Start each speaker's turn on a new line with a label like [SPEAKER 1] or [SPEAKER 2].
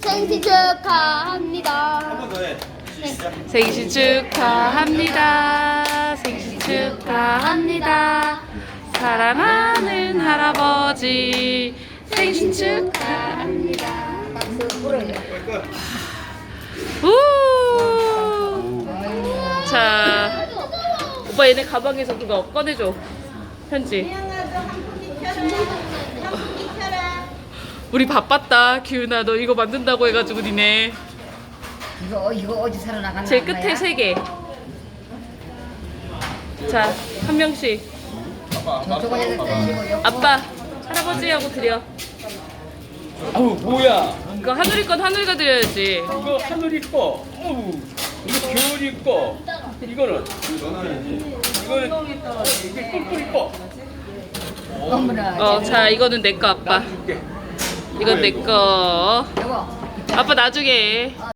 [SPEAKER 1] 생신 축하합니다.
[SPEAKER 2] 한 번 더 해. 시작.
[SPEAKER 3] 생신 축하합니다. 생신 축하합니다. 사랑하는 할아버지 생신 축하합니다. 우! 자, 오빠 얘네 가방에서 그거 꺼내줘. 편지. 우리 바빴다. 기훈아, 너 이거 만든다고 해가지고 니네.
[SPEAKER 4] 이거 어디 사러 나가는
[SPEAKER 3] 제일 끝에 3개. 자, 한 명씩. 아빠, 할아버지하고 드려.
[SPEAKER 2] 아우 뭐야?
[SPEAKER 3] 이거 하늘이 건 하늘이가 드려야지.
[SPEAKER 2] 이거 하늘이 거. 어우. 이거 겨울이 거. 이거는 이게 꿀꿀이 거.
[SPEAKER 4] 어머나.
[SPEAKER 3] 자, 이거는 내 거, 아빠.
[SPEAKER 2] 줄게.
[SPEAKER 3] 이건 내 거.
[SPEAKER 4] 여보.
[SPEAKER 3] 아빠 나중에.